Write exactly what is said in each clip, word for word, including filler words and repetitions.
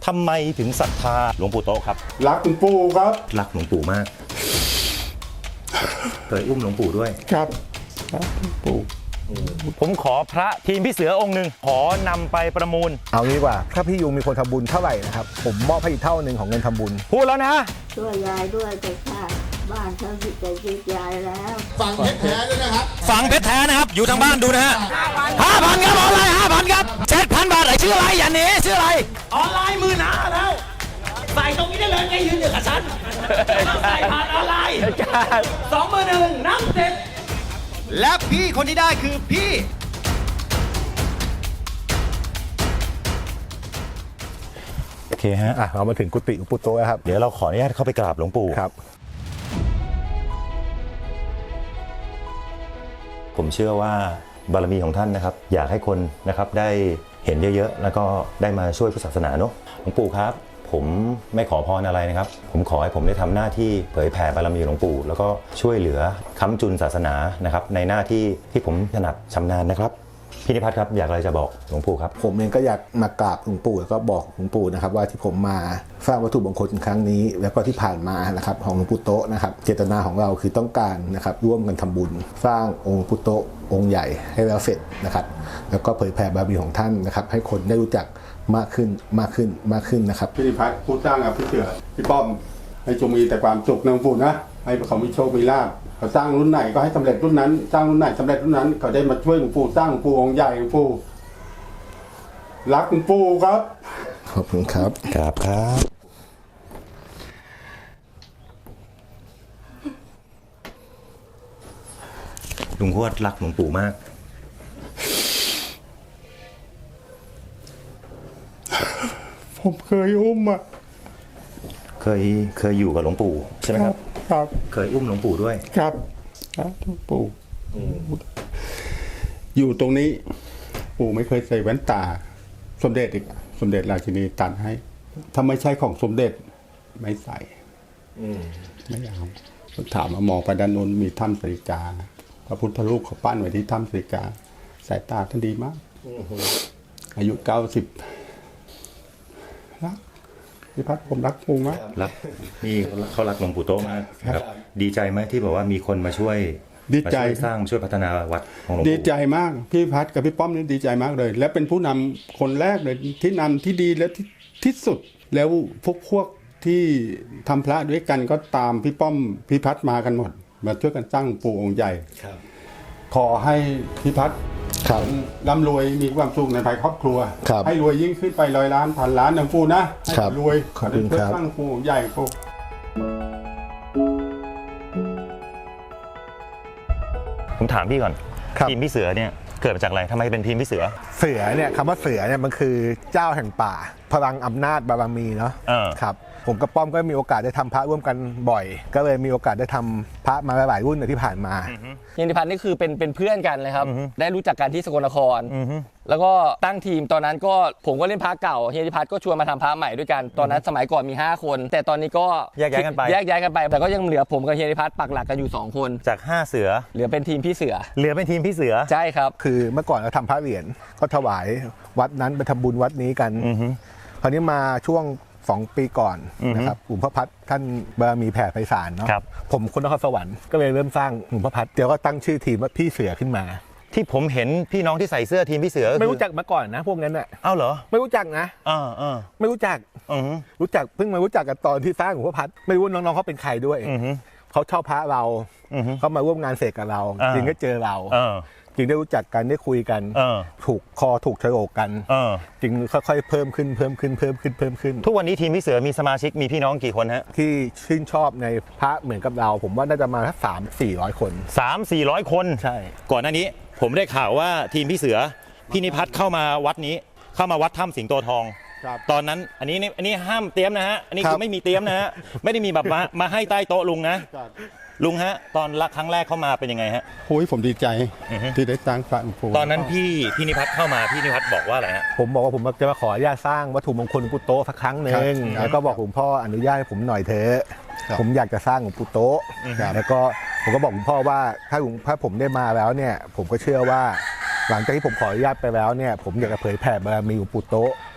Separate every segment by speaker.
Speaker 1: ทำไมถึงศรัทธาหลวงปู่โต๊ะครับ
Speaker 2: รักหลวงปู่ครับ
Speaker 1: รักหลวงปู่มากเคยอุ้มหลวงปู่ด้วย
Speaker 2: ครับรักหลวงปู่
Speaker 1: ผมขอพระทีมพี่เสือองค์หนึ่งขอนำไปประมูล
Speaker 3: เอางี้ว่าถ้าพี่ยูมีคนทำบุญเท่าไหร่นะครับผมมอบให้อีกเท่าหนึ่งของเงินทำบุญ
Speaker 1: พูดแล้วนะ
Speaker 4: ช่วยยายด้วยแต่ค่ะบ้านเขาจิตใจจิตยายแล้ว
Speaker 5: ฟังเพชรแท้ด้วยนะครับ
Speaker 1: ฟังเพชรแท้นะครับอยู่ทางบ้านดูนะฮะห้าพันครับออนไลน์ห้าพันครับเจ็ดพันบาทไอ้ชื่ออะไรอย่าหนีชื่ออะไร
Speaker 6: ออนไลน์มือหนาแล้วใส่ตรงนี้ได้เลยไงยืนอยู่กับฉันใส่ผ่านออนไลน์สองมือหนึ่งนับเจ็ด
Speaker 1: และพี่คนที่ได้คือพี่โอเคฮะ
Speaker 3: อ่ะเรามาถึงกุฏิหลวงปู่โตแล้วครับ
Speaker 1: เดี๋ยวเราขออนุญาตเข้าไปกราบหลวงปู่
Speaker 3: ครับ
Speaker 1: ผมเชื่อว่าบารมีของท่านนะครับอยากให้คนนะครับได้เห็นเยอะๆแล้วก็ได้มาช่วยพุทธศาสนาเนาะหลวงปู่ครับผมไม่ขอพรอะไรนะครับผมขอให้ผมได้ทำหน้าที่เผยแผ่บารมีหลวงปู่แล้วก็ช่วยเหลือค้ำจุนศาสนานะครับในหน้าที่ที่ผมถนัดชำนาญนะครับพี่นิพัฒน์ครับอยากอะไรจะบอกหลวงปู่ครับ
Speaker 3: ผมเองก็อยากมากราบหลวงปู่แล้วก็บอกหลวงปู่นะครับว่าที่ผมมาสร้างวัตถุมงคลครั้งนี้แล้วก็ที่ผ่านมานะครับของหลวงปู่โตนะครับเจตนาของเราคือต้องการนะครับร่วมกันทำบุญสร้างองค์ปู่โตองค์ใหญ่ให้แล้วเสร็จนะครับแล้วก็เผยแผ่บารมีของท่านนะครับให้คนได้รู้จักมากขึ้นมากขึ้นมากขึ้นนะครับ
Speaker 2: พี่นิพัฒน์ผู้สร้างกับพี่เสือพี่ป้อมให้จงมีแต่ความสุขนะหลวงปู่นะให้เขามีโชคมีลาภเขาสร้างรุ่นไหนก็ให้สำเร็จรุ่นนั้นสร้างรุ่นไหนสำเร็จรุ่นนั้นเขาได้มาช่วยหลวงปู่สร้างหลวงปู่องค์ใหญ่หลวงปู่รักหลวงปู่ครับ
Speaker 3: ขอบคุณครับ
Speaker 1: ครับครับลุงขวดรักหลวงปู่มาก
Speaker 2: ผมเคยอุ้มอ่ะ
Speaker 1: เคยเคยอยู่กับหลวงปู่ใช่ไหมครับ
Speaker 2: ครับ
Speaker 1: เคยอุ้มหลวงปู่ด้วย
Speaker 2: ครับครับหลวงปู่อยู่ตรงนี้ปู่ไม่เคยใส่แว่นตาสมเด็จอีกสมเด็จราชินีตัดให้ถ้าไม่ใช่ของสมเด็จไม่ใส่ไม่เอาถามมามองไปด้านนู้นมีถ้ำสริกาพระพุทธรูปเขาปั้นไว้ที่ถ้ำสริกาสายตาท่านดีมากอายุเก้าสิบรักพี่พัฒน์ผมรักปู่มาก
Speaker 1: รักนี่เขารักหลวงปู่โตมากครับดีใจไหมที่บอกว่ามีคนมาช่วย
Speaker 2: ดีใจ
Speaker 1: สร้างช่วยพัฒนาวัดของหลวงปู่
Speaker 2: ดีใจมากพี่พัฒน์กับพี่ป้อมนี่ดีใจมากเลยและเป็นผู้นำคนแรกเลยที่นำที่ดีและที่ที่สุดแล้วพวกพวกที่ทำพระด้วยกันก็ตามพี่ป้อมพี่พัฒน์มากันหมดมาช่วยกันสร้างปู่องค์ใหญ่ขอให้พี่พัฒน์ร่ำรวยมีความสุขในภายครอบครัวให้รวยยิ่งขึ้นไปร้อยล้านพันล้านหลวงปู่นะให้รวยขอให้เพื่อสร้างปู่ใหญ่ปู่
Speaker 1: ผมถามพี่ก่อนทีมพี่เสือเนี่ยเกิดมาจากอะไรทำไมเป็นทีมพี่เสือ
Speaker 3: เสือเนี่ยคำว่าเสือเนี่ยมันคือเจ้าแห่งป่าพลังอำนาจบารมีเนาะครับผมกับป้อมก็มีโอกาสได้ทำพระร่วมกันบ่อยก็เลยมีโอกาสได้ทำพระมาหลายรุ่นในที่ผ่านมา
Speaker 6: เฮียนิพัฒน์นี่คือเป็นเป็นเพื่อนกันเลยครับได้รู้จักกันที่สกลนครแล้วก็ตั้งทีมตอนนั้นก็ผมก็เล่นพระเก่าเฮียนิพัฒน์ก็ชวนมาทำพระใหม่ด้วยกันตอนนั้นสมัยก่อนมีห้าคนแต่ตอนนี้ก็
Speaker 1: แยกย้ายกันไป
Speaker 6: แยกย้ายกันไปแต่ก็ยังเหลือผมกับเฮียนิพัฒน์ปักหลักกันอยู่สองคน
Speaker 1: จากห้าเสือ
Speaker 6: เหลือเป็นทีมพี่เสือ
Speaker 1: เหลือเป็นทีมพี่เสือ
Speaker 6: ใช่ครับ
Speaker 3: คือเมื่อก่อนเราทำพระเหรียญก็ถวายวัดนั้นไปทำบุญวัดนี้กันคราวนี้มาช่วงสองปีก่อนนะครับหลวงพ่อพัดท่านบารมีแผ่ไพศาลเนาะผมคนนครสวรรค์ก็เลยเริ่มสร้างหลวงพ่อพัดเดี๋ยวก็ตั้งชื่อทีมว่าพี่เสือขึ้นมา
Speaker 1: ที่ผมเห็นพี่น้องที่ใส่เสื้อทีมพี่เสือ
Speaker 3: ไม่รู้จักมาก่อนนะพวกนั้นอ่ะ
Speaker 1: เอ้าเหรอ
Speaker 3: ไม่รู้จักนะ
Speaker 1: อ่าอ่า
Speaker 3: ไม่รู้จักรู้จักเพิ่งมารู้จักกันตอนที่สร้างหลวงพ่อพัดไม่รู้น้องๆเขาเป็นใครด้วยเขาชอบพระเราเขามาร่วมงานเสกกับเราจริงก็เจอเราจริงได้รู้จักกันได้คุยกันถูกคอถูกโฉลกกันจริงค่อยๆเพิ่มขึ้นเพิ่มขึ้นเพิ่มขึ้นเพิ่มขึ้น
Speaker 1: ทุกวันนี้ทีมพี่เสือมีสมาชิกมีพี่น้องกี่คนฮะ
Speaker 3: ที่ชื่นชอบในพระเหมือนกับเราผมว่าน่าจะมาสักสามสี่ร้อยคน
Speaker 1: สามสี่ร้อยคน
Speaker 3: ใช่
Speaker 1: ก่อนหน้านี้ผมได้ข่าวว่าทีมพี่เสือพี่นิพัฒน์เข้ามาวัดนี้เข้ามาวัดถ้ำสิงโตทองตอนนั้นอันนี้อันนี้ห้ามเตรียมนะฮะอันนี้คือไม่มีเตรียมนะฮะไม่ได้มีแบบมามาให้ใต้โต๊ะลุงนะลุงฮะตอนรักครั้งแรกเข้ามาเป็นยังไงฮะ
Speaker 2: โอ้ยผมดีใจที่ได้สร้างพระหลวงปู่
Speaker 1: ตอนนั้นพี่พี่นิพัฒน์เข้ามาพี่นิพัฒน์บอกว่าอะไรฮะ
Speaker 3: ผมบอกว่าผมจะมาขออนุญาตสร้างวัตถุมงคลหลวงปู่โตสักครั้งหนึ่งแล้วก็บอกหลวงพ่ออนุญาตให้ผมหน่อยเถอะผมอยากจะสร้างหลวงปู่โตแล้วก็ผมก็บอกหลวงพ่อว่าถ้าหลวงถ้าผมได้มาแล้วเนี่ยผมก็เชื่อว่าหลังจากที่ผมขออนุญาตไปแล้วเนี่ยผมอยากจะเผยแผ่บารมีหลวงปู่โต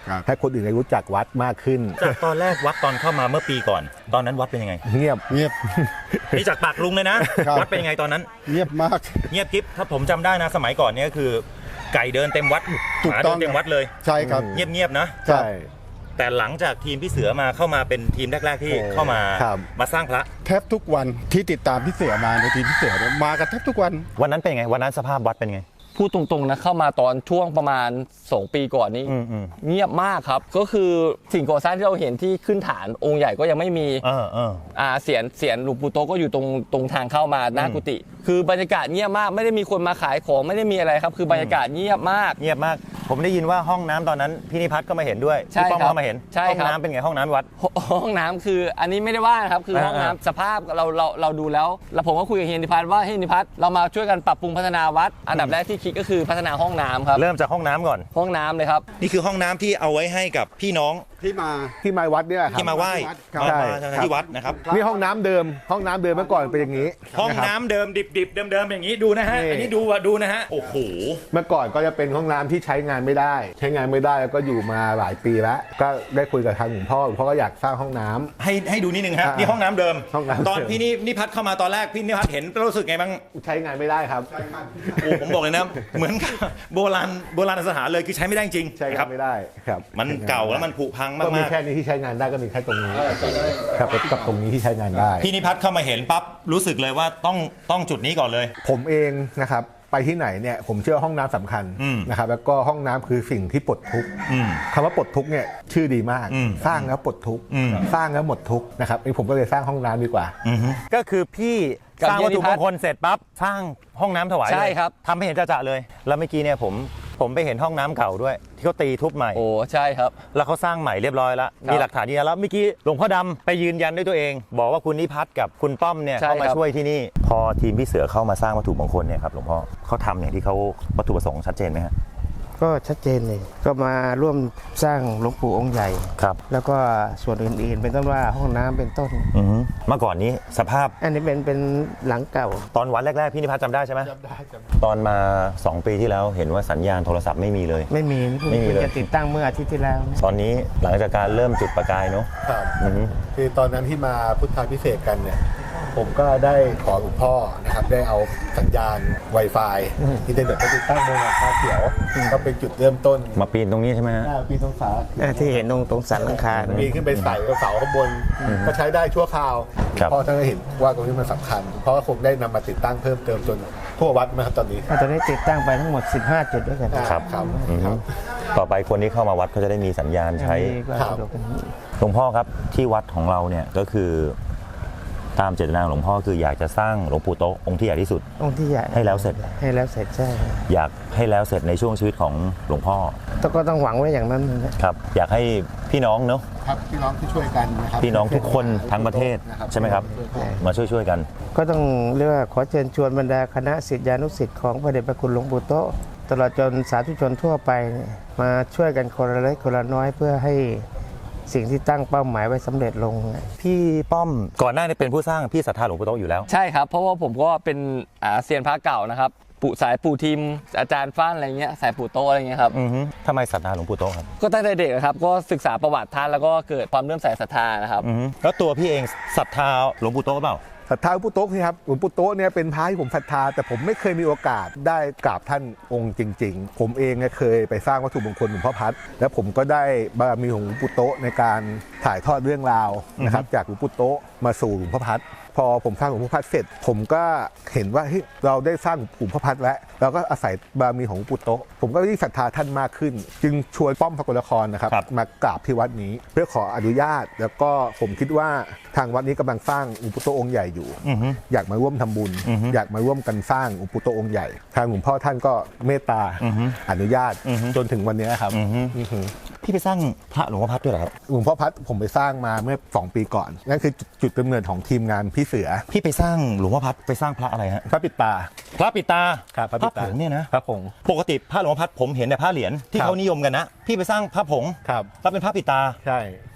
Speaker 2: ครับ
Speaker 3: ให้คนอื่นได้รู้จักวัดมากขึ้น
Speaker 1: จากตอนแรกวัดตอนเข้ามาเมื่อปีก่อน ตอนนั้นวัดเป็นยังไง
Speaker 3: เงียบ
Speaker 2: เงียบ
Speaker 1: นี่จากปากลุงเลยนะ
Speaker 2: ครับ
Speaker 1: วัดเป็นยังไงตอนนั้น
Speaker 2: เงียบมาก
Speaker 1: เงียบกิ๊บถ้าผมจำได้นะสมัยก่อนเนี่ยก็คือ ไก่เดินเต็มวัด
Speaker 2: ถู
Speaker 1: ห
Speaker 2: ก
Speaker 1: มา
Speaker 2: ต้
Speaker 1: เดิ
Speaker 2: อง
Speaker 1: นเต็มวัดเลย
Speaker 2: ใช่ครับ
Speaker 1: เงียบๆนะ
Speaker 3: ใช่
Speaker 1: แต่หลังจากทีมพี่เสือมาเข้ามาเป็นทีมแรกๆที่
Speaker 3: โอ้
Speaker 1: เข้ามา
Speaker 3: ครับ
Speaker 1: มาสร้างพระ
Speaker 2: แทบทุกวันที่ติดตามพี่เสือมาในทีมพี่เสือเนี่ยมากันแทบทุกวัน
Speaker 1: วันนั้นเป็นยังไงวันนั้นสภาพวัดเป็นยังไง
Speaker 6: พูดตรงๆนะเข้ามาตอนช่วงประมาณสองปีก่อนนี้
Speaker 1: อืมอืม
Speaker 6: เงียบมากครับ ก็คือสิ่งก่อสร้างที่เราเห็นที่ขึ้นฐานองค์ใหญ่ก็ยังไม่มี
Speaker 1: เออเออ
Speaker 6: อ่าเสียนเสียนหลวงปู่โตก็อยู่ตรงตรงทางเข้ามาหน้ากุฏิคือบรรยากาศเงียบมากไม่ได้มีคนมาขายของไม่ได้มีอะไรครับ คือบรรยากาศเงียบมาก
Speaker 1: เงียบมาก ผมได้ยินว่าห้องน้ำตอนนั้นพี่นิพัฒน์ก็มาเห็นด้วย
Speaker 6: ใช่
Speaker 1: พี่ป้อม
Speaker 6: ครับ
Speaker 1: ก็มาเห็น
Speaker 6: ใช่
Speaker 1: ห้อง
Speaker 6: ครับ
Speaker 1: น้ำเป็นไงห้องน้ำวัด
Speaker 6: ห้องน้ำคืออันนี้ไม่ได้ว่านะครับคือ
Speaker 1: อ่า
Speaker 6: ห้องน้ำสภาพเราเราเราดูแล้ว แล้วผมก็คุยกับเฮียนิพัฒน์ว่าเฮียนิพัฒน์เรามาช่วยกันปรับปรุงพัฒนาวัด อันดับแรกที่คิดก็คือพัฒนาห้องน้ำครับ
Speaker 1: เริ่มจากห้องน้ำก่อน
Speaker 6: ห้องน้ำเลยครับ
Speaker 1: นี่คือห้องน้ำที่เอาไว้ให้กับพี่น้อง
Speaker 2: ที่มา
Speaker 3: ที่มาวัดเนี่ยครับ
Speaker 1: ที่มาไหว้
Speaker 2: ครับ
Speaker 1: มา
Speaker 3: ใช่
Speaker 1: มาที่วัดนะครับ
Speaker 3: นี่ห้องน้ำเดิม ห้องน้ำเดิมเมื่อก่อนเป็นอย่างนี้
Speaker 1: ห้อง
Speaker 3: ะครับ
Speaker 1: น้ำเดิมดิบๆเดิมๆอย่างนี้ดูนะฮะ
Speaker 3: นี่
Speaker 1: อันนี้ดูอ่ะดูนะฮะโอ้โห
Speaker 3: เมื่อก่อนก็จะเป็นห้องน้ำที่ใช้งานไม่ได้ ใช้งานไม่ได้แล้วก็อยู่มาหลายปีแล้ว ก็ได้คุยกับทางหลวงพ่อหลวงพ่อก็อยากสร้างห้องน้ำ
Speaker 1: ให้ให้ดูนิดนึงฮะ
Speaker 3: อ่า
Speaker 1: นี่ห้องน้ำเดิม
Speaker 3: ห้องน้ำเดิม
Speaker 1: ตอนพี่นี่นี่พัดเข้ามาตอนแรกพี่นิพัฒน์เห็นรู้สึกไงบ้าง
Speaker 3: ใช้งานไม่ได้ครับ
Speaker 1: โอ้ผมบอกเลยนะ เหมือนกับโบราณโบราณสถานเลยคือใช้ไม่ได้จริง
Speaker 3: ใช้
Speaker 1: นะค
Speaker 3: งา
Speaker 1: รั
Speaker 3: น
Speaker 1: บ
Speaker 3: ไม่ได้ครับ
Speaker 1: มันเก่าแล้วมันผุพัง
Speaker 3: ก็มี
Speaker 1: มาก
Speaker 3: แค่นี้ที่ใช้งานได้ก็มีแค่ตรงนี้ครับกับตรงนี้ที่ใช้งานได้
Speaker 1: ๆพี่นิพัฒน์เข้ามาเห็นปั๊บรู้สึกเลยว่าต้องต้องจุดนี้ก่อนเลย
Speaker 3: ผมเองนะครับไปที่ไหนเนี่ยผมเชื่อห้องน้ำสำคัญ
Speaker 1: อืม
Speaker 3: นะครับแล้วก็ห้องน้ำคือสิ่งที่ปลดทุกข์
Speaker 1: อืม
Speaker 3: คำว่าปลดทุกข์เนี่ยชื่อดีมาก
Speaker 1: อืม
Speaker 3: สร้างแล้วปลดทุกข์
Speaker 1: อืม
Speaker 3: สร้างแล้วหมดทุกข์นะครับไอ้ผมก็เลยสร้างห้องน้ำดีกว่า
Speaker 1: ก็คือพี่
Speaker 6: กับ
Speaker 1: สร้างวัตถุ
Speaker 6: เฮียนิพั
Speaker 1: ม
Speaker 6: ฒน์
Speaker 1: งคลเสร็จปั๊บสร้างห้องน้ำถวายเลย
Speaker 6: ใช่ครับ
Speaker 1: ทำให้เห็นจะๆเลย แล้วเมื่อกี้เนี่ยผมผมไปเห็นห้องน้ำเก่าด้วย ที่เขาตีทุบใหม่
Speaker 6: โอ้ใช่ครับ
Speaker 1: แล้วเขาสร้างใหม่เรียบร้อยแล้ว
Speaker 6: ครับ
Speaker 1: มีหลักฐานยืนยันแล้วเมื่อกี้หลวงพ่อดำไปยืนยันด้วยตัวเอง บอกว่าคุณนิพัฒน์กับคุณป้อมเนี่ย
Speaker 6: ใช่
Speaker 1: เข้ามา
Speaker 6: ครับ
Speaker 1: ช่วยที่นี่ พอทีมพี่เสือเข้ามาสร้างวัตถุมงคลเนี่ยครับหลวงพ่อเขาทำอย่างที่เขาวัตถุประสงค์ชัดเจนไหมฮะ
Speaker 5: ก็ชัดเจนเลยก็มาร่วมสร้างหลวงปู่องค์ใหญ่
Speaker 1: ครับ
Speaker 5: แล้วก็ส่วนอื่นๆ เป็นต้นว่าห้องน้ำเป็นต้น
Speaker 1: อือฮึเมื่อก่อนนี้สภาพ
Speaker 5: อันนี้เป็นเป็นหลังเก่า
Speaker 1: ตอนวันแรกๆพี่นิพัฒน์จำได้ใช่ไหมจำได้ตอนมาสองปีที่แล้วเห็นว่าสัญญาณโทรศัพท์ไม่มีเลย
Speaker 5: ไม่มี
Speaker 1: ไม่มีเลย
Speaker 5: จะติดตั้งเมื่ออาทิตย์ที่แล้วนะ
Speaker 1: ตอนนี้หลังจากการเริ่มจุดประกายเนาะ
Speaker 3: ครับ
Speaker 1: อือฮึ
Speaker 3: คือตอนนั้นที่มาพุทธาพิเศษกกันเนี่ยผมก็ได้ขอหลวงพ่อนะครับได้เอาสัญญาณ Wi-Fi อินเทอร์เน็ตไปติดตั้งบนหลังคาเขียวก็เป็นจุดเริ่มต้น
Speaker 1: มาปีนตรงนี้ใช่ไหมฮะ
Speaker 3: หน้าปีตรงฝา
Speaker 5: อ่าที่เห็นตรงตรงสันหลังคา
Speaker 3: ปีนขึ้นไปใส่กับเสาข้างบนก็ใช้ได้ชั่วคราวหล
Speaker 1: ครั
Speaker 3: ว
Speaker 1: บ
Speaker 3: งพ่อท่านก็เห็นว่าตรงนี้มันสำคัญเพราะว่าคงได้นำมาติดตั้งเพิ่มเติมจนทั่ววัดนะครับตอนนี้
Speaker 5: อ่าตอนนี้ติดตั้งไปทั้งหมด สิบห้า จุดด้วยกัน
Speaker 1: ครับ
Speaker 3: ครับ
Speaker 1: อือฮึต่อไปคนที่เข้ามาวัดเขาจะได้มีสัญญาณใช้
Speaker 5: อันนี้ก็
Speaker 3: ครับ
Speaker 5: สะดวกกัน
Speaker 1: หลวงพ่อครับที่วัดของเราเนี่ยก็คือตามเจตนาของหลวงพ่อคืออยากจะสร้างหลวงปู่โตะองค์ที่ใหญ่ที่สุด
Speaker 5: องค์ที่ใหญ่
Speaker 1: ให้แล้วเสร็จ
Speaker 5: ให้แล้วเสร็จใช่
Speaker 1: อยากให้แล้วเสร็จในช่วงชีวิตของหลวงพ่อ
Speaker 5: แต่ก็ต้องหวังไว้อย่างนั้นนะ
Speaker 1: ครับอยากให้พี่น้องเนาะ
Speaker 3: ครับพี่น้องที่ช่วยกันนะครับ
Speaker 1: พี่น้องทุกคนทั้งประเทศใช่ไหมครับมาช่วยช่วยๆกัน
Speaker 5: ก็ต้องเรียกว่าขอเชิญชวนบรรดาคณะศิษยานุศิษย์ของพระเดชพระคุณหลวงปู่โตะตลอดจนสาธุชนทั่วไปเนี่ยมาช่วยกันคนละเล็กคนละน้อยเพื่อให้สิ่งที่ตั้งเป้าหมายไว้สำเร็จลง
Speaker 1: พี่ป้อมก่อนหน้านี้เป็นผู้สร้างพี่ศรัทธาหลวงปู่โตะอยู่แล้ว
Speaker 6: ใช่ครับ เพราะว่าผมก็เป็นอ่าเซียนพระเก่านะครับปู่สายปู่ทิมอาจารย์ฟ้านอะไรเงี้ยสายปู่โตอะไรเงี้ยครับ
Speaker 1: อือฮึทำไมศรัทธาหลวงปู่โตะครับ
Speaker 6: ก็ตั้งแต่เด็กนะครับ ก็ศึกษาประวัติท่านแล้วก็เกิดความเลื่อมใสศรัทธานะครับ
Speaker 1: อือฮึแล้วตัวพี่เองศรัทธาหลวงปู่โตะเปล่า
Speaker 3: ศรัทธาหลวงปู่โต๊ะนี่ครับหลวงปู่โต๊ะเนี่ยเป็นพระที่ผมศรัทธาแต่ผมไม่เคยมีโอกาสได้กราบท่านองค์จริง ๆ ผมเองเนี่ยเคยไปสร้างวัตถุมงคลหลวงพ่อพัดแล้วผมก็ได้บารมีของหลวงปู่โต๊ะในการถ่ายทอดเรื่องราวนะครับจากหลวงปู่โต๊ะมาสู่หลวงพ่อพัดพอผมสร้างหลวงพ่อพัดเสร็จ ผมก็เห็นว่าเฮ้ยเราได้สร้างหลวงพ่อพัดแล้วเราก็อาศัยบารมีของหลวงปู่โต๊ะผมก็ยิ่งศรัทธาท่านมากขึ้น จึงชวนป้อมพระกลครนะครับ
Speaker 1: ครับ
Speaker 3: มากราบที่วัดนี้ เพื่อขออนุญาต แล้วก็ผมคิดว่าทางวัดนี้กำลังสร้างหลวงปู่โต๊ะองค์ใหญ่อยู่
Speaker 1: อือฮึ
Speaker 3: อยากมาร่วมทำบุญ
Speaker 1: อือฮึ
Speaker 3: อยากมาร่วมกันสร้างหลวงปู่โตะองค์ใหญ่ ทางหลวงพ่อท่านก็เมตตา
Speaker 1: อือฮึ
Speaker 3: อนุญาต
Speaker 1: อือฮึ
Speaker 3: จนถึงวันนี้ครับ
Speaker 1: อือฮึ
Speaker 3: อือฮึ
Speaker 1: พี่ไปสร้างพระหลวงพ่อพัดด้วยเหรอครับ
Speaker 3: หลวงพ่อพัดผมไปสร้างมาเมื่อสองปีก่อน นั่นคือจุดจุดกำเนิดของทีมงานพี่เสือ
Speaker 1: พี่ไปสร้างหลวงพ่อพัดไปสร้างพระอะไรฮะ
Speaker 3: พระปิดตา
Speaker 1: พระปิดตา
Speaker 3: ครับพระ
Speaker 1: พ
Speaker 3: ปิ
Speaker 1: ระ
Speaker 3: ดตา
Speaker 1: ผงเนี่ยนะ
Speaker 3: พระผง
Speaker 1: ปกติพระหลวงพ่อพัดผมเห็นแต่พระเหรียญที่
Speaker 3: ครับ
Speaker 1: เขานิยมกันนะพี่ไปสร้างพระผง
Speaker 3: ครับ
Speaker 1: แล้วเป็นพระปิดตา
Speaker 3: ใช่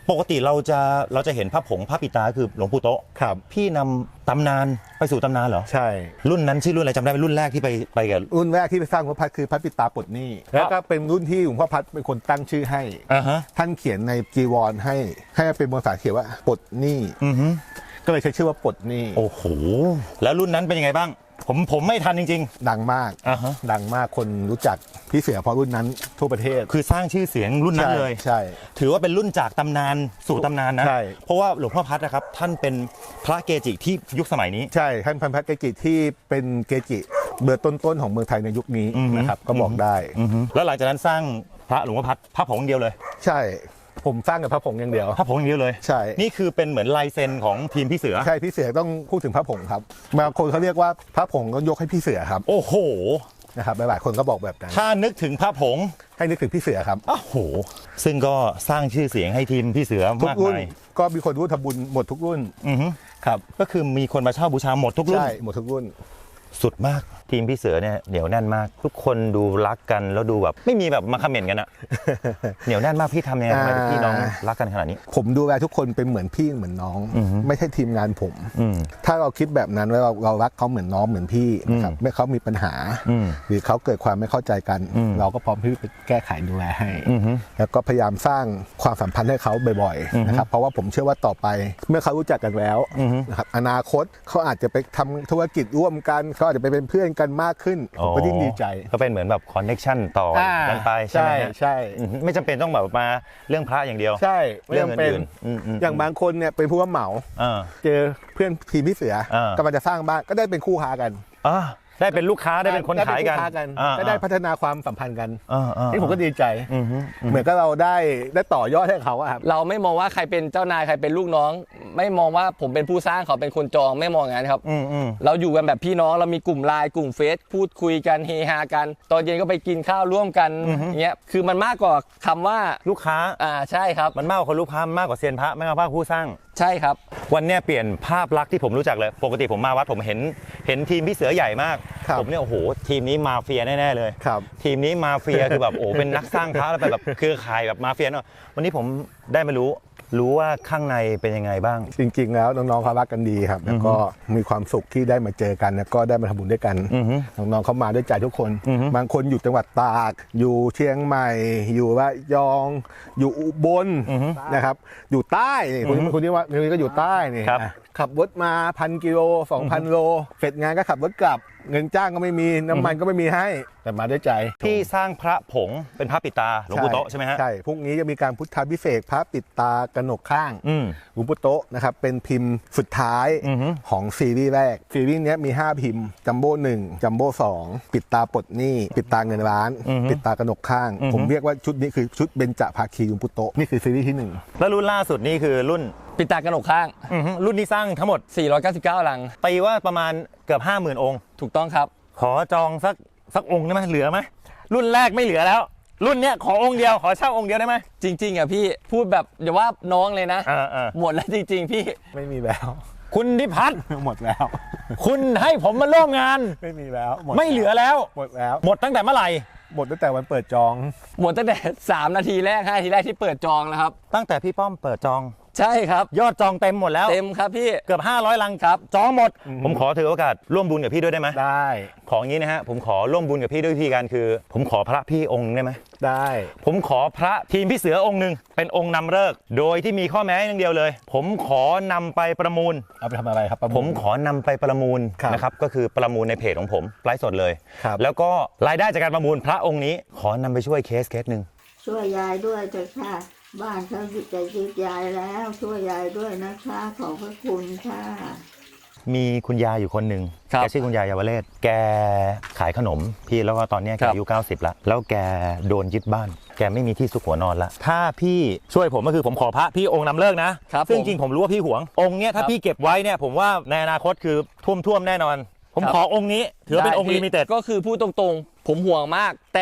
Speaker 1: ปกติเราจะเราจะเห็นพระผงพระปิดตาคือหลวงปู่โตะ
Speaker 3: ครับ
Speaker 1: พี่นำตำนานไปสู่ตำนานเหรอ
Speaker 3: ใช่
Speaker 1: รุ่นนั้นชื่อรุ่นอะไรจำได้ไหมรุ่นแรกที่ไปไปกับ
Speaker 3: รุ่นแรกที่ไปสร้างหลวงพ่อพัดคือพระปิดตาปลดหนี้แล้วก็เป็นรุ่นที่หลวงพ่อพัดเป็นคนตั้งชื่อให้
Speaker 1: อ่าฮะ
Speaker 3: ท่านเขียนในจีวรให้ให้เป็นภาษาเขียนว่าปลดหนี้
Speaker 1: อือฮึ
Speaker 3: ก็เลยใช้ชื่อว่าปลดหนี้
Speaker 1: โอ้โหแล้วรุ่นนั้นเป็นยังไงบ้างผมผมไม่ทันจริง
Speaker 3: ดังมาก
Speaker 1: อ่าฮะ
Speaker 3: ดังมากคนรู้จักพี่เสือเพราะรุ่นนั้นทั่วประเทศ
Speaker 1: ๆ คือสร้างชื่อเสียงรุ่นนั้นเลย
Speaker 3: ใช่
Speaker 1: ถือว่าเป็นรุ่นจากตำนานสู่ตำนานนะ
Speaker 3: ใช่
Speaker 1: เพราะว่าหลวงพ่อพัดนะครับท่านเป็นพระเกจิที่ยุคสมัยนี้
Speaker 3: ใช่ท่านพันพัฒเกจิที่เป็นเกจิเบอร์ต้นๆของเมืองไทยในยุคนี้
Speaker 1: อือฮึ
Speaker 3: นะครับก็บอกได้
Speaker 1: อือฮึแล้วหลังจากนั้นสร้างพระหลวงพ่อพัดพระผงอย่างเดียวเลย
Speaker 3: ใช่ผมสร้างกับพระผงอย่างเดียว
Speaker 1: พระผงอย่างเดียวเลย
Speaker 3: ใช่
Speaker 1: นี่คือเป็นเหมือนลายเซ็นของทีมพี่เสือ
Speaker 3: ใช่พี่เสือต้องพูดถึงพระผงครับบางคนเขาเรียกว่าพระผงก็ยกให้พี่เสือครับ
Speaker 1: โอ้โห
Speaker 3: นะครับหลายๆคนก็บอกแบบนั้น
Speaker 1: ถ้านึกถึงพระผง
Speaker 3: ให้นึกถึงพี่เสือครับ
Speaker 1: โอ้โหซึ่งก็สร้างชื่อเสียงให้ทีมพี่เสือ
Speaker 3: ทุก
Speaker 1: มาก
Speaker 3: รุ่น
Speaker 1: มาย
Speaker 3: ก็มีคนร่วมทำบุญหมดทุกรุ่น
Speaker 1: อือฮึ
Speaker 3: ครับ
Speaker 1: ก็คือมีคนมาเช่าบูชาหมดทุกรุ่น
Speaker 3: ใช่หมดทุกรุ่น
Speaker 1: สุดมากทีมพี่เสือเนี่ยเหนียวแน่นมาก ทุกคนดูรักกันแล้วดูแบบไม่มีแบบมาคอมเมนต์กันอะ เหนียวแน่นมากพี่ทำยังไงทำไมพี่น้องรักกันขนาดนี้
Speaker 3: ผมดูแลทุกคนเป็นเหมือนพี่เหมือนน้อง
Speaker 1: อือฮึ
Speaker 3: ไม่ใช่ทีมงานผม
Speaker 1: อืม
Speaker 3: ถ้าเราคิดแบบนั้นว่าเราเรารักเขาเหมือนน้องเหมือนพี่นะครับไม่เขามีปัญหา
Speaker 1: อืม
Speaker 3: หรือเขาเกิดความไม่เข้าใจกัน
Speaker 1: อืม
Speaker 3: เราก็พร้อมที่จะแก้ไขดูแลให้
Speaker 1: อือฮึ
Speaker 3: แล้วก็พยายามสร้างความสัมพันธ์ให้เขาบ่อย
Speaker 1: อือฮึ
Speaker 3: ๆนะครับเพราะว่าผมเชื่อว่าต่อไปเมื่อเขารู้จักกันแล้ว
Speaker 1: อือฮึ
Speaker 3: นะครับอนาคตเขาอาจจะไปทำธุรกิจร่วมกันเขาอาจจะไปเป็นเพื่อนกันมากขึ้นผมก็ยิ่งดีใจ
Speaker 1: ก็เป็นเหมือนแบบคอนเน็ชันต่อกันไปใช่ไหมฮะ
Speaker 3: ใช่
Speaker 1: อือฮึไม่จำเป็นต้องแบบมาเรื่องพระอย่างเดียว
Speaker 3: ใช่
Speaker 1: เรื่อง
Speaker 3: ไม่จำเป็น
Speaker 1: อื่นๆอืมๆ
Speaker 3: อย่างบางคนเนี่ยเป็นผู้รับเหมา
Speaker 1: อ่า
Speaker 3: เจอเพื่อนทีมพี่เสือ
Speaker 1: อ่าก
Speaker 3: ำลังจะสร้างบ้านก็ได้เป็นคู่ค้ากัน
Speaker 1: อ่าได้เป็นลูกค้าได้เป็นคนขายกัน
Speaker 3: ได้เป็คู่ค้
Speaker 1: อ่า
Speaker 3: ก็ได้พัฒนาความสัมพันธ์กัน
Speaker 1: อ่าอ่า
Speaker 3: นี่ผมก็ดีใจ
Speaker 1: อือฮึ
Speaker 3: เหมือนกับเราได้ได้ต่อยอดให้เขาอะครับ
Speaker 6: เราไม่มองว่าใครเป็นเจ้านายใครเป็นลูกน้อง ไม่มองว่าผมเป็นผู้สร้างเขาเป็นคนจองไม่มองอย่างนั้นครับ
Speaker 1: อืมอืม
Speaker 6: เราอยู่กันแบบพี่น้องเรามีกลุ่มไลน์กลุ่มเฟซพูดคุยกันเฮฮากัน ตอนเย็นก็ไปกินข้าวร่วมกันอย่างเงี้ยคือมันมากกว่าคำว่า
Speaker 1: ลูกค้า
Speaker 6: อ่าใช่ครับ
Speaker 1: มันมากกว่าคนลูกค้ามากกว่าเซียนพระมากกว่าผู้สร้าง
Speaker 6: ใช่ครับ
Speaker 1: วันเนี้ยเปลี่ยนภาพลักษณ์ที่ผมรู้จักเลย ปกติผมมาวัดผมเห็นเห็นทีมพี่เสือใหญ่มาก
Speaker 3: ครับ
Speaker 1: ผมเนี่ยโอ้โหทีมนี้มาเฟียแน่ๆเลย
Speaker 3: ครับ
Speaker 1: ทีมนี้มาเฟีย คือแบบโอ้เป็นนักสร้างพระแล้วเป็นแบบเครือข่ายแบบมาเฟียเนาะวันนี้ผมได้มารู้รู้ว่าข้างในเป็นยังไงบ้าง
Speaker 3: จริงๆแล้วน้องๆเขารักกันดีครับแล้วก็มีความสุขที่ได้มาเจอกันแล้วก็ได้มาทำบุญด้วยกัน
Speaker 1: อือฮึ
Speaker 3: น้องๆเขามาด้วยใจทุกคน
Speaker 1: อือฮึ
Speaker 3: บางคนอยู่จังหวัดตาก อยู่เชียงใหม่ อยู่ระยอง อยู่อุบล
Speaker 1: อือฮึ
Speaker 3: นะครับอยู่ใต้นี่คุณคุณที่ว่าคนนี้ก็อยู่ใต้นี่
Speaker 1: ครับ
Speaker 3: อ่ะขับรถมาพันกิโลสองพันโลเสร็จงานก็ขับรถกลับ เงินจ้างก็ไม่มีน้ำมันก็ไม่มีให้แต่มาด้วยใจ
Speaker 1: ที่สร้างพระผงเป็นพระปิดตาหลวงปู่โตะใช่ไหมฮะ
Speaker 3: ใช่พรุ่งนี้จะมีการพุทธาพิเศษกพระปิดตากระหนกข้าง
Speaker 1: อืม
Speaker 3: หลวงปู่โตะนะครับเป็นพิมพ์สุดท้าย
Speaker 1: อือฮึ
Speaker 3: ของซีรีส์แรก ซีรีส์เนี้ยมี ห้า พิมพ์จัมโบ้หนึ่งจัมโบ้สองปิดตาปลดหนี้ ปิดตาเงินล้าน
Speaker 1: อือฮึ
Speaker 3: ปิดตากระหนกข้าง
Speaker 1: อือฮึ
Speaker 3: ผมเรียกว่าชุดนี้คือชุดเบญจภาคีหลวงปู่โตะนี่คือซีรีส์ที่หนึ่ง
Speaker 1: แล้วรุ่นล่าสุดนี่คือรุ่น
Speaker 6: ปิดตากระหนกข้าง
Speaker 1: อือฮึรุ่นนี้สร้างทั้งหมด
Speaker 6: สี่ร้อยเก้าสิบเก้าลัง
Speaker 1: ตีว่าประมาณเกือบห้าหมื่นองค์
Speaker 6: ถูกต้องครับ
Speaker 1: ขอจองสักสักองค์ได้ไหมเหลือไหมรุ่นแรกไม่เหลือแล้ว รุ่นเนี้ยขอองค์เดียวขอเช่าองค์เดียวได้ไหม
Speaker 6: จริง ๆอ่ะพี่พูดแบบอย่าว่าน้องเลยนะ
Speaker 1: อ่าอ่า
Speaker 6: หมดแล้วจริง ๆ พี่
Speaker 3: ไม่มีแล้ว
Speaker 1: คุณดิพัฒน์
Speaker 3: หมดแล้ว
Speaker 1: คุณให้ผมมาร่วมงาน
Speaker 3: ไม่มีแล้วด
Speaker 1: ไม่เหลือแล้ว
Speaker 3: หมดแล้ว
Speaker 1: หมดตั้งแต่เมื่อไหร่
Speaker 3: หมดตั้งแต่วันเปิดจอง
Speaker 6: หมดตั้งแต่สามนาทีแรกห้านาทีแรกที่เปิดจองแล้วครับ
Speaker 1: ตั้งแต่พี่ป้อมเปิดจอง
Speaker 6: ใช่ครับ
Speaker 1: ยอดจองเต็มหมดแล้ว
Speaker 6: เต็มครับพี่
Speaker 1: เกือบห้าร้อยลังครับจองหมด ผมขอถือโอกาสร่วมบุญกับพี่ด้วยได้ไหม
Speaker 3: ได้
Speaker 1: ของอย่างนี้นะฮะผมขอร่วมบุญกับพี่ด้วยวิธีการคือ ผมขอพระพี่องค์ได้ไหม
Speaker 3: ได้
Speaker 1: ผมขอพระทีมพี่เสือองค์หนึ่งเป็นองค์นำฤกษ์โดยที่มีข้อแม้อย่างเดียวเลย ผมขอนำไปประมูล
Speaker 3: เอาไปทำอะไรครับประล
Speaker 1: ผมขอนำไปประมูล
Speaker 3: ครับ
Speaker 1: นะครับก็คือประมูลในเพจของผมไลฟ์สดเลย
Speaker 3: ครับ
Speaker 1: แล้วก็รายได้จากการประมูลพระองค์นี้ ขอนำไปช่วยเคสเคสหนึ่ง
Speaker 4: ช่วยยายด้วยเถอะค่ะ บ้านเขาจะยึดยายแล้ว ช่วยยายด้วยนะคะขอบพระคุณค่ะ
Speaker 1: มีคุณยายอยู่คนหนึ่ง
Speaker 6: ครับ
Speaker 1: แกชื่อคุณยายเยาวเลศแกขายขนมพี่แล้วก็ตอนเนี้ยแก
Speaker 6: ครับ
Speaker 1: อายุเก้าสิบแล้วแล้วแกโดนยึดบ้าน แกไม่มีที่ซุกหัวนอนละถ้าพี่ช่วยผมก็คือผมขอพระพี่องค์นำเลิกนะครับ ซึ่ง
Speaker 6: ผม
Speaker 1: จริงผมรู้ว่าพี่หวงองค์เนี้ยถ้า
Speaker 6: ครับ
Speaker 1: พี่เก็บไว้เนี่ยผมว่าในอนาคตคือท่วมท่วมๆแน่นอน ผม
Speaker 6: ครับ
Speaker 1: ขอองค์นี้ถือว่าเป็นองค์
Speaker 6: ได้
Speaker 1: ลิมิเต็ด
Speaker 6: ก็คือพูดตรงๆ ผมห่วงมาก แต่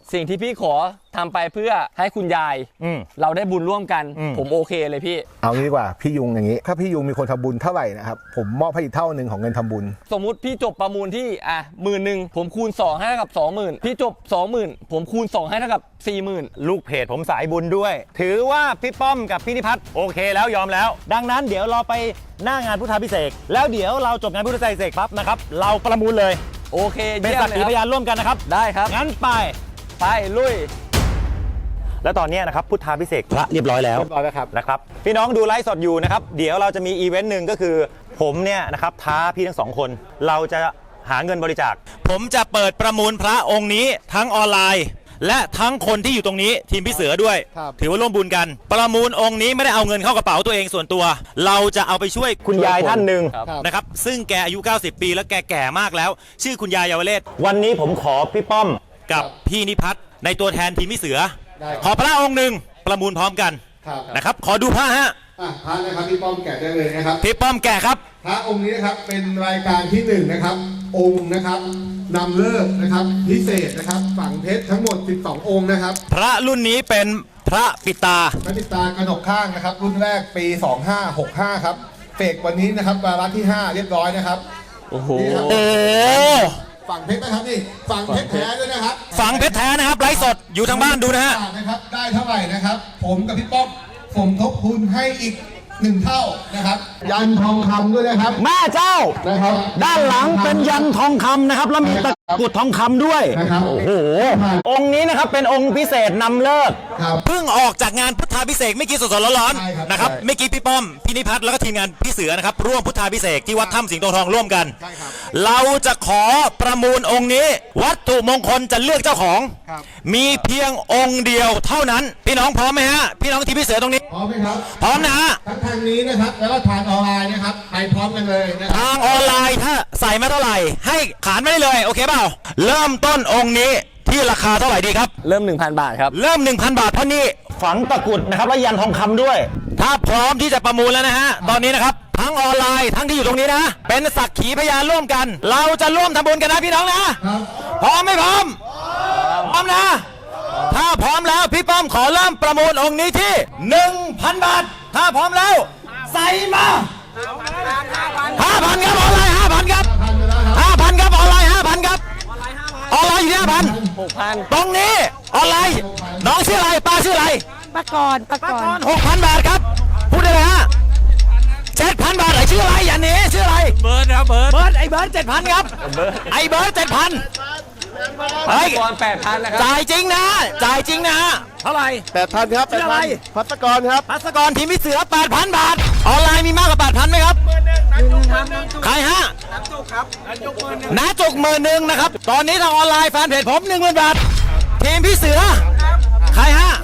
Speaker 6: สิ่งที่พี่ขอทำไปเพื่อให้คุณยาย
Speaker 3: อืม
Speaker 6: เราได้บุญร่วมกัน
Speaker 3: อืม
Speaker 6: ผมโอเคเลยพี่
Speaker 3: เอางี้ดีกว่าพี่ยุงอย่างนี้ ถ้าพี่ยุงมีคนทำบุญเท่าไหร่นะครับผมมอบให้อีกเท่าหนึ่งของเงินทำบุญ
Speaker 6: สมมุติพี่จบประมูลที่อ่ะหมื่นหนึ่งผมคูณสองให้เท่ากับสองหมื่นพี่จบสองหมื่นผมคูณสองให้เท่ากับสี่หมื่น
Speaker 1: ลูกเพจผมสายบุญด้วย ถือว่าพี่ป้อมกับพี่นิพัฒน์โอเคแล้วยอมแล้ว ดังนั้นเดี๋ยวเราไปหน้างานพุทธาพิเศษกแล้วเดี๋ยวเราจบงานพุทธาพิเศษกปั๊บนะครับเราประมูลเลย
Speaker 6: โอเค
Speaker 1: เป็น
Speaker 6: เยี่ย
Speaker 1: สั
Speaker 6: ม
Speaker 1: ก
Speaker 6: เลย
Speaker 1: ขี
Speaker 6: ค
Speaker 1: พ
Speaker 6: รับ
Speaker 1: ยานร่วมกันนะครับ
Speaker 6: ได้ครับ
Speaker 1: งั้นไป
Speaker 6: ไปลุย
Speaker 1: แล้วตอนนี้นะครับพุทธาพิเศษกพระเรียบร้อยแล้ว
Speaker 3: เรียบร้อยแล้วครับ
Speaker 1: นะครับพี่น้องดูไลฟ์สดอยู่นะครับเดี๋ยวเราจะมีอีเวนต์หนึ่งก็คือผมเนี่ยนะครับท้าพี่ทั้งสองคน เราจะหาเงินบริจาคผมจะเปิดประมูลพระองค์นี้ทั้งออนไลน์ และทั้งคนที่อยู่ตรงนี้ทีมพี่เสือด้วย
Speaker 3: ครับ
Speaker 1: ถือว่าร่วมบุญกัน ประมูลองค์นี้ไม่ได้เอาเงินเข้ากระเป๋าตัวเองส่วนตัว เราจะเอาไปช่วยคุณยายท่านหนึ่ง
Speaker 6: ครับ
Speaker 1: นะครับซึ่งแกอายุ เก้าสิบ ปีแล้วแกแก่มากแล้ว ชื่อคุณยายเยาวเลศวันนี้ผมขอพี่ป้อมกับพี่นิพัฒน์ในตัวแทนทีมพี่เสือ
Speaker 3: ได้ครับ
Speaker 1: ขอพระองค์หนึ่งประมูลพร้อมกัน
Speaker 3: ครับ
Speaker 1: นะครับขอดูพระฮะ
Speaker 7: อ่ะพระนะครับพี่ป้อมแกะได้เลยนะครับ
Speaker 1: พี่ป้อมแก่ครับ
Speaker 7: พระองค์นี้นะครับเป็นรายการที่หนึ่งนะครับ องค์นะครับนำเลิกนะครับพิเศษนะครับฝังเพชรทั้งหมดสิบสององค์นะครับ
Speaker 1: พระรุ่นนี้เป็นพระปิดตา
Speaker 7: พระปิดตากระหนกข้างนะครับ รุ่นแรกปีสองห้าหกห้าครับเฟกวันนี้นะครับวาระที่ห้าเรียบร้อยนะครับ
Speaker 6: โอ้โห
Speaker 7: นี่ครับ
Speaker 1: โอ้
Speaker 7: ฝังเพชรนะครับนี่ฝังเพชรแท้ด้วยนะครับ
Speaker 1: ฝังเพชรแท้นะครับไลฟ์สดอยู่ทางบ้านดูนะฮะ
Speaker 7: นะครับได้เท่าไหร่นะครับ ผมกับพี่ป้อมสมทบทุนให้อีกหนึ่งเท่านะครับ ยันทองคำด้วยนะครับ
Speaker 1: แม่เจ้า
Speaker 7: นะครับ
Speaker 1: ด้านหลังเป็นยันทองคำนะครับแล้วมีตะกรุดทองคำด้วย
Speaker 7: นะครับ
Speaker 1: โอ้โหองค์นี้นะครับเป็นองค์พิเศษนำเลิก
Speaker 7: ครับ
Speaker 1: เพิ่งออกจากงานพุทธาพิเศษกไม่กี่สดๆร้อน
Speaker 7: ใช่ครับ
Speaker 1: ๆนะครับ
Speaker 7: ใช่
Speaker 1: เมื่อกี้พี่ป้อมพี่นิพัฒน์แล้วก็ทีมงานพี่เสือนะครับร่วมพุทธาพิเศษกที่วัดถ้ำสิงห์โตทองร่วมกัน
Speaker 7: ใช่ครับ
Speaker 1: เราจะขอประมูลองค์นี้ วัตถุมงคลจะเลือกเจ้าของ
Speaker 7: ครับ
Speaker 1: มีเพียงองค์เดียวเท่านั้น พี่น้องพร้อมไหมฮะพี่น้องทีมพี่เสือตรงนี้
Speaker 7: พร้อมไหมครับ
Speaker 1: พร้อมนะฮะ
Speaker 7: ทั้งทางนี้นะครับ แล้วก็ทางออนไลน์นะครับ ไปพร้อมกันเลยนะครับ
Speaker 1: ทางออนไลน์ถ้าใส่มาเท่าไหร่ ให้ขานไม่ได้เลยโอเคเปล่าเริ่มต้นองค์นี้ที่ราคาเท่าไหร่ดีครับ
Speaker 6: เริ่ม หนึ่งพัน บาทครับ
Speaker 1: เริ่ม หนึ่งพัน บาทเพราะนี่ฝังตะกรุดนะครับและยันทองคำด้วย ถ้าพร้อมที่จะประมูลแล้วนะฮะตอนนี้นะครับทั้งออนไลน์ทั้งที่อยู่ตรงนี้นะ เป็นสักขีพยานร่วมกัน เราจะร่วมทำบุญกันนะพี่น้องนะพร้อมไม่พร้อมพร้อมนะ ถ้าพร้อมแล้วพี่ป้อมขอเริ่มประมูลองค์นี้ที่ หนึ่งพัน บาท ถ้าพร้อมแล้วใส่มาห้าพันครับออนไลน์ห้าพันครับห้าพันครับออนไลน์ห้าพันครับออนไลน์อยู่ที่ห้าพัน
Speaker 6: หกพัน
Speaker 1: ตรงนี้ออนไลน์น้องชื่ออะไรป้าชื่ออะไร
Speaker 8: ปะกรณ์ปะกรณ์
Speaker 1: หกพันบาทครับพูดได้เลยฮะเจ็ดพันบาทไอชื่ออะไรอย่าหนีชื่ออะไรเบิร์ดครับเบิร์ดเบิร์ดไอเบิร์ดเจ็ดพันครับไอเบิร์ดเจ็ดพันเฮ้ย
Speaker 6: ก่อนแปดพันนะครับ
Speaker 1: จ่ายจริงนะจ่ายจริงนะเท่าไหร่
Speaker 3: แปดพันครับ
Speaker 1: ชื่ออะไร
Speaker 3: พัสกรครับ
Speaker 1: พัสกรทีมพิเสือแปดพันบาทออนไลน์มีมากกว่าแปดพันไหมครับใครฮะน้าจุกครับน้าจุกหมื่นหนึ่งนะครับตอนนี้ทางออนไลน์แฟนเพจผมหนึ่งหมื่นบาททีมพี่เสือใครฮะ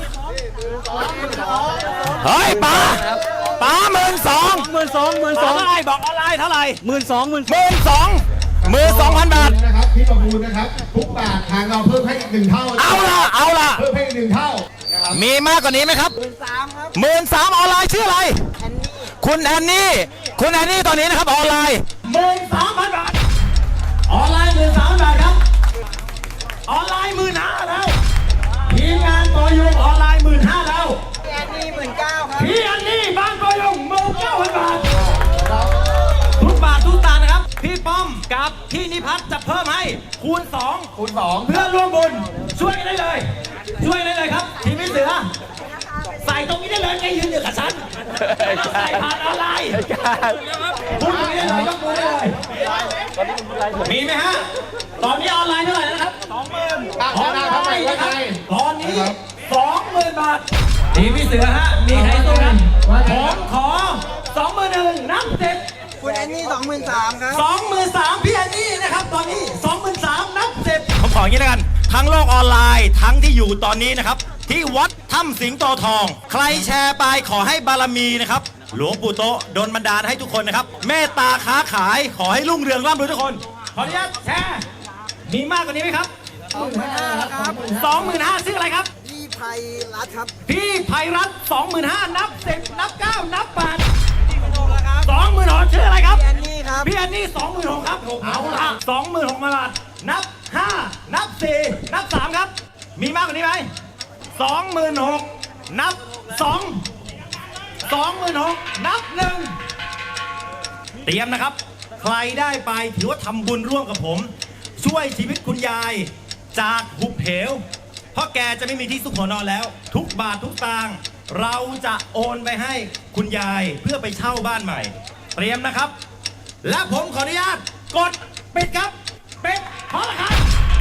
Speaker 1: เฮ้ยป๋าป๋าหมื่นสองหมื่นสองหมื่นสองเท่าไหร่บอกออนไลน์เท่าไหร่หมื่นสองหมื่นหมื่นสองหมื่นสองพันบาท
Speaker 7: นะครับที่ประมูลนะครับ ทุกบาททางเราเพิ่มให้อีกหนึ่งเท่า
Speaker 1: เอาล่ะเอาล่ะ
Speaker 7: เพิ่มให้อีกหนึ่งเท่า
Speaker 1: มีมากกว่านี้ไหมครับหมื่นสามออนไลน์ชื่ออะไรคุณแอนนี่คุณแอนนี่ตอนนี้นะครับออนไลน์หมื่นสามพันบาทออนไลน์หมื่นสามพันบาทครับออนไลน์หมื่นห้าแล้วทีมงานปอยงออนไลน์หมื่นห้าแล้วพี่อันนี่หมื่นเก้าครับพี่อันนี่บ้านปอยงหมื่นเก้าพันบาททุกบาททุกสตางค์นะครับพี่ป้อมกับพี่นิพัฒน์จะเพิ่มให้คูณสอง
Speaker 7: คูณสอง
Speaker 1: เพื่อร่วมบุญช่วยกันได้เลย ช่วยกันได้เลยครับทีมพี่เสือใส่ตรงนี้ได้เลยไงยืนอยู่กับฉันใส่ผ่านออนไลน์พูดตรงนี้ได้เลยก็พูดได้เลยมีไหมฮะตอนนี้ออนไลน์เท่าไหร่แล้วนะครับสองหมื่นออนไลน์นะครับตอนนี้สองหมื่นบาททีมพี่เสือฮะมีใครตรงนั้นผมขอสองหมื่นหนึ่งนับเจ็ด
Speaker 8: คุณแอนนี่สองหมื่นสามครับ
Speaker 1: สองหมื่นสามพี่แอนนี่นะครับตอนนี้สองหมื่นสามนับเจ็ดผมขออย่างนี้แล้วกันทั้งโลกออนไลน์ทั้งที่อยู่ตอนนี้นะครับที่วัดถ้ำสิงโตทอง ใครแชร์ไปขอให้บารมีนะครับหลวงปู่โตโดนบันดาลให้ทุกคนนะครับเมตตาค้าขายขอให้รุ่งเรืองร่ำรวยทุกคนขออนุญาตแชร์มีมากกว่านี้ไหมครับ
Speaker 8: สองหมื่นห้าครับ
Speaker 1: สองหมื่นห้าชื่ออะไรครับ
Speaker 8: พี่ไพรัตน์ครับ
Speaker 1: พี่ไพรัตน์สองหมื่นห้านับสิบนับเก้านับแปดสองหมื่นหกชื่ออะไรครับ
Speaker 8: พี่แอนนี่ครับ
Speaker 1: พี่อันนี่สองหมื่นหกครับเอาละสองหมื่นหกพันบาทนับห้านับสี่นับสามครับ
Speaker 9: มีมากกว่านี้ไหมสองหมื่นหกนับสองสองหมื่นหกนับหนึ่งเตรียมนะครับ ใครได้ไปถือว่าทำบุญร่วมกับผม ช่วยชีวิตคุณยายจากหุบเหว เพราะแกจะไม่มีที่ซุกหัวนอนแล้ว ทุกบาททุกตางค์เราจะโอนไปให้คุณยายเพื่อไปเช่าบ้านใหม่ เตรียมนะครับ และผมขออนุญาตกดปิดครับปิดพอแล้วครับ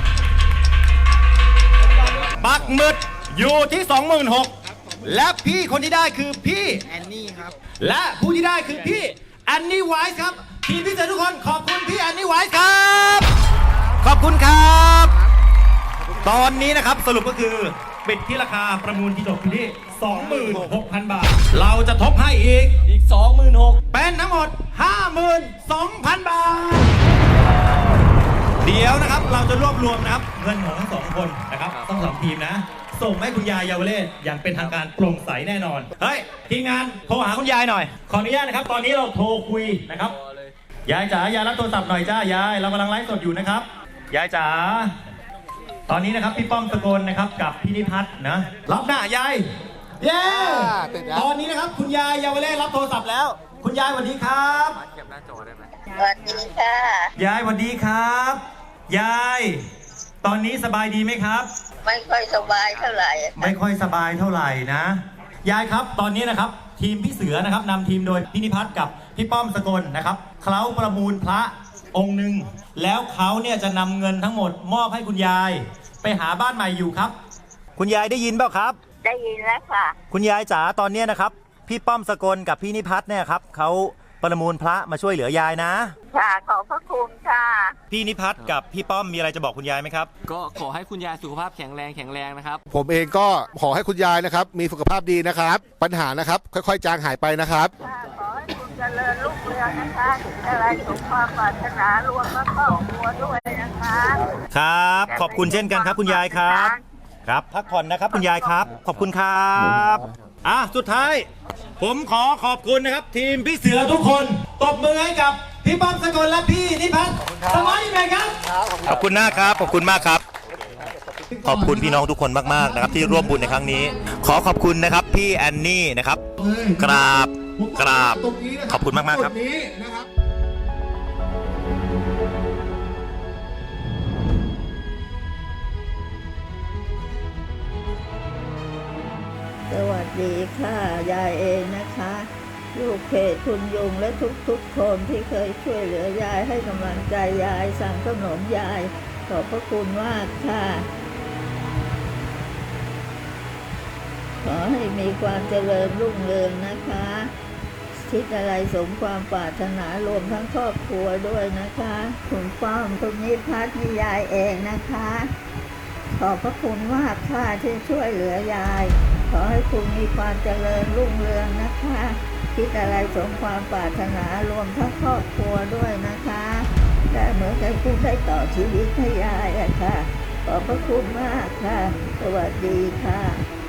Speaker 9: ปักหมึดอยู่ที่ สองหมื่นหกพัน และพี่คนที่ได้คือพี่แอนนี่ครับและผู้ที่ได้คือพี่แอนนี่ไวส์ครับทีมพิเศษทุกคนขอบคุณพี่แอนนี่ไวส์ครับขอบคุณครับ ตอนนี้นะครับสรุปก็คือปิดที่ราคาประมูลที่จบอยู่ที่ สองหมื่นหกพัน บาท เราจะทบให้อีกอีก สองหมื่นหกพัน เป็นทั้งหมด ห้าหมื่นสองพัน บาท เดี๋ยวนะครับเราจะรวบรวมนะครับเงินของทั้งสองคนนะครับต้องสองทีมนะ ส่งให้คุณยายเยาวเลศอย่างเป็นทางการโปร่งใสแน่นอนเฮ้ยทีมงานโทรหาคุณยายหน่อยขออนุญาตนะครับตอนนี้เราโทรคุยนะครับยายจ๋ายายรับโทรศัพท์หน่อยจ้ายายเรากำลังไลฟ์สดอยู่นะครับยายจ๋าตอนนี้นะครับพี่ป้อมสกลนะครับกับพี่นิพัฒน์นะรับหน้ายายเย้ตอนนี้นะครับคุณยายเยาวเลศรับโทรศัพท์แล้วคุณยายสวัสดีครับ
Speaker 4: สวัสดีค่ะ
Speaker 9: ยายสวัสดีครับยายตอนนี้สบายดีไหมครับ
Speaker 4: ไม่ค่อยสบายเท่าไหร่
Speaker 9: ไม่ค่อยสบายเท่าไหร่นะยายครับตอนนี้นะครับทีมพี่เสือนะครับนำทีมโดยพี่นิพัฒน์กับพี่ป้อมสกลนะครับเขาประมูลพระองค์หนึ่งแล้วเขาเนี่ยจะนำเงินทั้งหมดมอบให้คุณยายไปหาบ้านใหม่อยู่ครับคุณยายได้ยินเปล่าครับ
Speaker 4: ได้ยินแล้วค่ะ
Speaker 9: คุณยายจ๋าตอนนี้นะครับพี่ป้อมสกลกับพี่นิพัฒน์เนี่ยครับเขาประมูลพระมาช่วยเหลือยายนะ
Speaker 4: ค่ะขอบพระคุณค่ะ
Speaker 9: พี่นิพัฒน์กับพี่ป้อมมีอะไรจะบอกคุณยายไหมครับ
Speaker 6: ก็ขอให้คุณยายสุขภาพแข็งแรงแข็งแรงนะครับ
Speaker 7: ผมเองก็ขอให้คุณยายนะครับมีสุขภาพดีนะครับปัญหานะครับค่อยๆจางหายไปนะครับ
Speaker 4: ขอให้คุณเจริญรุ่งเรืองนะคะอะไรสมความปรารถนารวมและครอบครัวด้วยนะคะ
Speaker 9: ครับขอบคุณเช่นกันครับคุณยายครับครับพักผ่อนนะครับคุณยายครับขอบคุณครับอ่ะสุดท้ายผมขอขอบคุณนะครับทีมพี่เสือทุกคนตบมือให้กับพี่ป้อมสกลและพี่นิพัฒน์สมัยแม่ครับขอบคุณมากครับขอบคุณมากครับขอบคุณพี่น้องทุกคนมากๆนะครับที่ร่วมบุญในครั้งนี้ขอขอบคุณนะครับพี่แอนนี่นะครับกราบกราบขอบคุณมากๆครับ
Speaker 4: สวัสดีค่ะยายเองนะคะลูกเพจคุณยุงและทุกๆคนที่เคยช่วยเหลือยายให้กำลังใจยายสั่งขนมยายขอบพระคุณมากค่ะขอให้มีความเจริญรุ่งเรืองนะคะคิดอะไรสมความปรารถนารวมทั้งครอบครัวด้วยนะคะคุณป้อมคุณนิพัฒน์ยายเองนะคะขอบพระคุณมากค่ะที่ช่วยเหลือยายขอให้คุณมีความเจริญรุ่งเรืองนะคะคิดอะไรสมความปรารถนารวมทั้งครอบครัวด้วยนะคะได้เหมือนกับคุณได้ต่อชีวิตให้ยายอะค่ะขอบพระคุณมากค่ะสวัสดีค่ะ